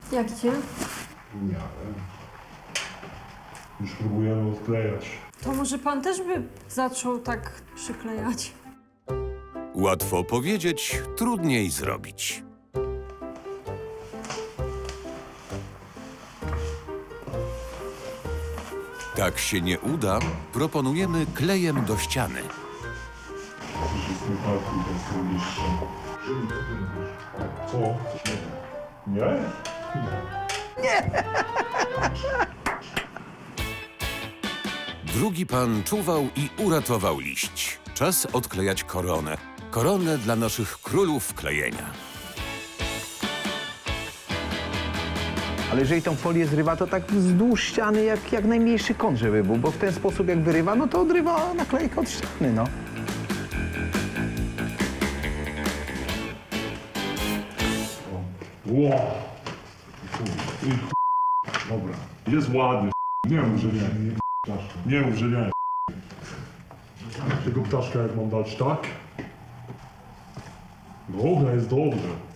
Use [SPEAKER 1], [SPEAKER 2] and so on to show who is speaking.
[SPEAKER 1] Jak cię?
[SPEAKER 2] W miarę. Już próbujemy odklejać.
[SPEAKER 1] To może pan też by zaczął tak przyklejać?
[SPEAKER 3] Łatwo powiedzieć, trudniej zrobić. Tak się nie uda, proponujemy klejem do ściany.
[SPEAKER 2] Wszystkim partii bez liścia. Co? Nie?
[SPEAKER 3] Drugi pan czuwał i uratował liść. Czas odklejać koronę. Koronę dla naszych królów klejenia.
[SPEAKER 4] Ale jeżeli tą folię zrywa, to tak wzdłuż ściany jak najmniejszy kąt, żeby był, bo w ten sposób jak wyrywa, no to odrywa naklejkę od ściany, no.
[SPEAKER 2] Ło! Dobra. Jest ładny. Nie mów, że nie. Nie mów, że nie. Tego ptaszka jak mam dać, tak? Dobra, jest dobrze.